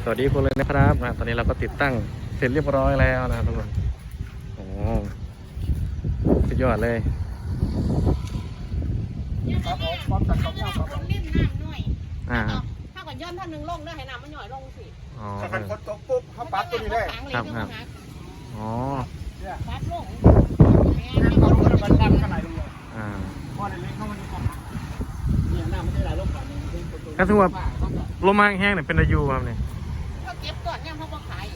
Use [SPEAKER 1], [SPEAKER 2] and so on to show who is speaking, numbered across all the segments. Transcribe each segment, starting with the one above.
[SPEAKER 1] วัสดีคุณเลยนะครับตอนนี้เราก็ติดตั้งเสร็จเรียบร้อยแล้วนะทุกคนโอ้สุดยอดเลย
[SPEAKER 2] ครับผมพร้อมจัดข้าวเหนียวครับ
[SPEAKER 3] เล่นน้ำหน่อย ถ้าก่อนย้อนท่านหนึ่งลงได้ให้น้ำมันหน่อยลงสิ
[SPEAKER 1] อ๋อ
[SPEAKER 2] ถ้าคันฝนตกปุ๊บเขาปัดตัวนี้เลย
[SPEAKER 1] อ๋อ
[SPEAKER 2] เนี่ย
[SPEAKER 3] ปัดลง
[SPEAKER 2] ให้ฝนมันดันขนาดนี้
[SPEAKER 1] อ่า
[SPEAKER 2] พอในเล็กเข้ามันก่อนเนี่ยน้ำมันได้หลายโรคก่อนนี่
[SPEAKER 1] ถ้าถือว่าลมมาแห้งเนี่ยเป็นอายุครับเนี่ย
[SPEAKER 3] เขาเก็บก่อนเนี่ยเขาก็ขาย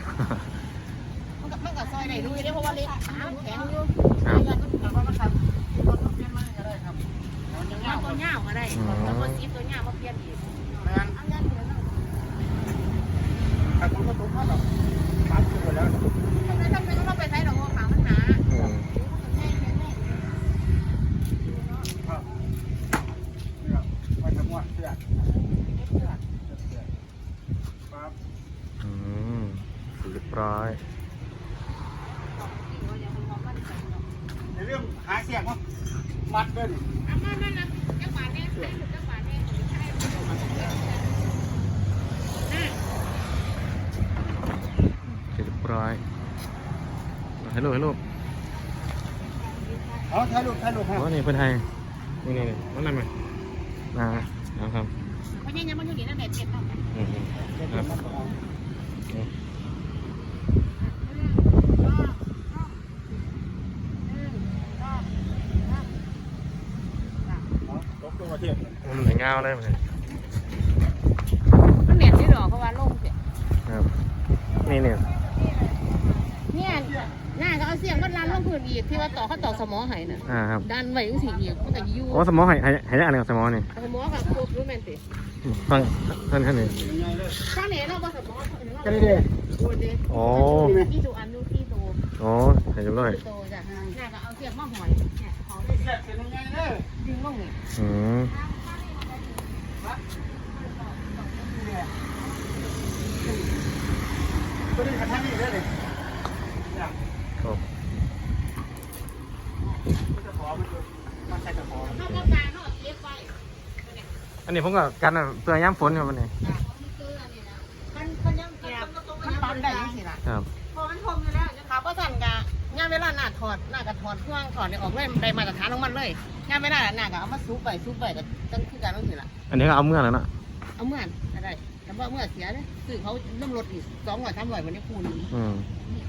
[SPEAKER 3] มันก็ซอยได้ด้วยเพราะว่าเล็กแข็งอยู่
[SPEAKER 1] ครับ
[SPEAKER 2] แต่ว่ามันทำรถเปลี่ยนมาก็ได้ครับมันยัง
[SPEAKER 3] ยาวตัวเงาก็ได้แล้วก็ซีตัวเงามาเปลี่ยนอีก
[SPEAKER 2] แมนถ้าฝนตกเขาแบบปัดตัวแล้ว
[SPEAKER 3] ทำไมต้องไปใช้ดอกบัวขาวมันหนา
[SPEAKER 1] อืม
[SPEAKER 2] ครับไปทำวัดเสื้อครับ
[SPEAKER 1] อืมเรียบร้อย
[SPEAKER 2] ในเรื่องหาเสียงว่ามัดด้วยดิ
[SPEAKER 3] นั่นนะจังหวะนี้จังหวะนี้ใช่
[SPEAKER 1] เรียบร้อยฮัลโหลฮัลโหล
[SPEAKER 2] เอาถ่ายรูปฮะ
[SPEAKER 1] อ๋อนี่เพื่อนไทยนี่นั่นไหมนะครับ
[SPEAKER 3] เพราะยังมันอยู่ดีนั่นแหละเจ็บมาก
[SPEAKER 1] ครับ
[SPEAKER 2] ตกตัวประเทศ
[SPEAKER 1] มันเหมือนเงาเลยมัน
[SPEAKER 3] มันเหนียดที่ดอกเพราะว่าลงเสีย
[SPEAKER 1] ครับนี่เนี่ย
[SPEAKER 3] เนี่ยหน้าก็เอาเสียงก็รันลงพื้นอีกที่ว่าต่อเขาต่อสมอหายน่ะ
[SPEAKER 1] ครับ
[SPEAKER 3] ดันไว้ยังสีอีกมันก็ยู่
[SPEAKER 1] โอ้สมองหายได้อะไรกับสมองนี่
[SPEAKER 3] สมอกับพวกรู้แมนติ
[SPEAKER 1] ฟังท่านนี่
[SPEAKER 3] ข้างไหนเราบ่สมอ
[SPEAKER 2] กันเลย
[SPEAKER 3] ดูดิ
[SPEAKER 1] โอ้
[SPEAKER 3] ที่ดูอันดูที่ดู
[SPEAKER 1] โอ้เห็นเรียบร้อย
[SPEAKER 3] โตจ้ะหน้าก็เอาเสียงมาหอยเนี่ยเขา
[SPEAKER 2] เสียเป็นยังไงเนี่ย
[SPEAKER 3] ดึงลงนี่
[SPEAKER 1] อืม
[SPEAKER 2] ตัวนี้กระทั่งนี่ได้เลย
[SPEAKER 1] ครับ
[SPEAKER 2] มันจะขอมันใส่จะขอ
[SPEAKER 3] เขาก็ตาเขาเลี้ยงไว้
[SPEAKER 1] อันนี้ผมกับกันเพื่อย่ำฝนครับวันนี้
[SPEAKER 3] มันยังมันปั๊มได้ยังสิล่ะ
[SPEAKER 1] ครับ
[SPEAKER 3] พอมันทมอยู่แล้วเขาก็สั่นกะงานเวลาหน้าถอดหน้าก็ถอดเครื่องถอดเนี่ยออกเลยได้มาตรฐานของมันเลยงานไม่ได้หน้าก็เอามาซุปไปก็ตั้งคือการต้องสิล่ะ
[SPEAKER 1] อันนี้ก็เอาเมื่อแล้วนะ
[SPEAKER 3] เอาเมื่อนอะไรแต่ว่าเมื่อเสียเนี่ยคือเขาเริ่มลดอีก200 300วันนี้คูณ
[SPEAKER 1] อืม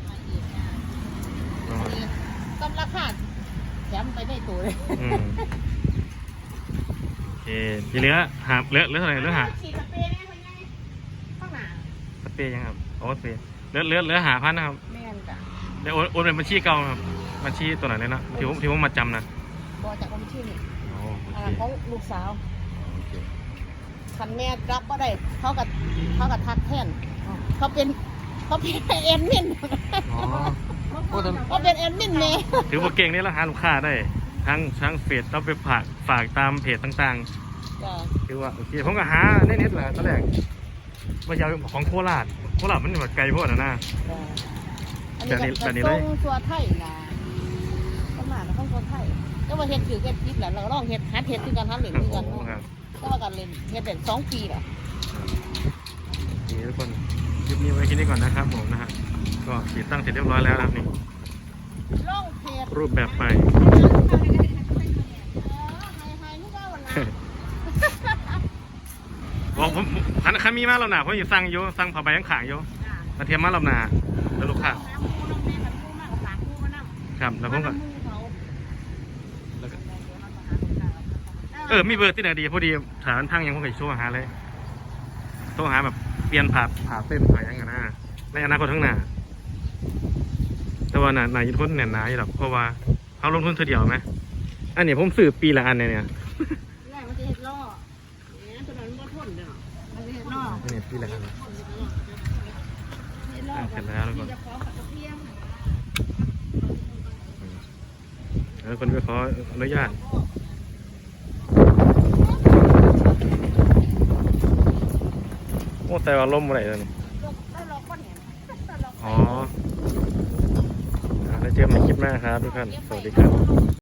[SPEAKER 3] ต้นราคาแถมไปได้ตัวเลย
[SPEAKER 1] อืมโอเคทีเหลือหาเหลือเท่าไหร่เหลือหา
[SPEAKER 3] ฉีดสเปรย์ได้ไหมข้างหน้า
[SPEAKER 1] สเปรย์ยังครับโอ้สเปรย์เหลือหาพันนะครับ
[SPEAKER 3] แม่นจ้ะ
[SPEAKER 1] เดี๋ยวโอนเป็นบัญชีเก่าครับบัญชีตัวไหนเลยนะที่ผมมาจำนะ
[SPEAKER 3] บอจากคนชื่อนี่
[SPEAKER 1] โอ้โอ
[SPEAKER 3] อ่า
[SPEAKER 1] เค
[SPEAKER 3] ของลูกสาว
[SPEAKER 1] โอเค
[SPEAKER 3] คันแม่รับก็ได้เขากับทักแทนเขาเป็นเอ็นมิน
[SPEAKER 1] อ๋อโอ้แต่
[SPEAKER 3] เขาเป็นเอ็นมินเมย์
[SPEAKER 1] ถือว่าเก่งนี่แล้วหาลูกค้าได้ทั้งเฟซต้องไปฝากตามเพจต่าง
[SPEAKER 3] จ้ะ
[SPEAKER 1] ๆคือว่าโอเคผมก็หาเน็ตแหละตอนแรกว่าจะเอาของโคราชมันแบบไกลโพดนะ
[SPEAKER 3] อันนี้ก็ส่งตัวไทยนะประมาณต้องตัวไทยก็มาเฮ็ดคือเฮ็ดพิษแหละเราลองเฮ็ดฮัดเฮ็ดคือการฮัดเหรียญคือกัน
[SPEAKER 1] โอ้ครับ
[SPEAKER 3] ก็ว่าการเรียนเฮ็ดเป็น2 ปีแหละ
[SPEAKER 1] นี่ทุกคนคลิปนี้ไว้แค่นี้ก่อนนะครับผมนะฮะก็ติดตั้งเสร็จเรียบร้อยแล้วนะครับนี่
[SPEAKER 3] ลองเพจ
[SPEAKER 1] รูปแบบใหม่ บอกผมคันมีมาเราหนาผมอยู่สั่งอยู่สั่งผ้าใบข้างขางอยู่มาเทียมมาเราหนาแล้วลูกค้าครับแล้วผมก็มีเบอร์ที่ไหนดีพอดีฐานพังยังผมก็โทรหาเลยโทรหาแบบเปลี่ยนผ่าเส้นผ่ายังกันนะในอนาคตข้างหน้าแต่ว่านายุทธแน่นหนาอยู่หรอกเพราะว่าเขาลงทุนเท่าเดียวไหมอันนี้ผมซื้อปีละอันเนี่ย
[SPEAKER 3] แรกมันจะเห็ดล่อเนี่ยตัวนั้นมันทนเด้อมันจะเห็ดล่อ
[SPEAKER 1] อันนี้ปีละอัน
[SPEAKER 3] เห็ดล่อ
[SPEAKER 1] เสร็จแล้วทุกคน
[SPEAKER 3] จะขอกับเพียง
[SPEAKER 1] แล้วคนไปขออนุญาตโอ้แต่ว่าล่มอะไรแล้วนี่
[SPEAKER 3] ได้ล็อกก้อนเห็น
[SPEAKER 1] อ๋อแล้วเจอกันในคลิปหน้าครับทุกท่านสวัสดีครับ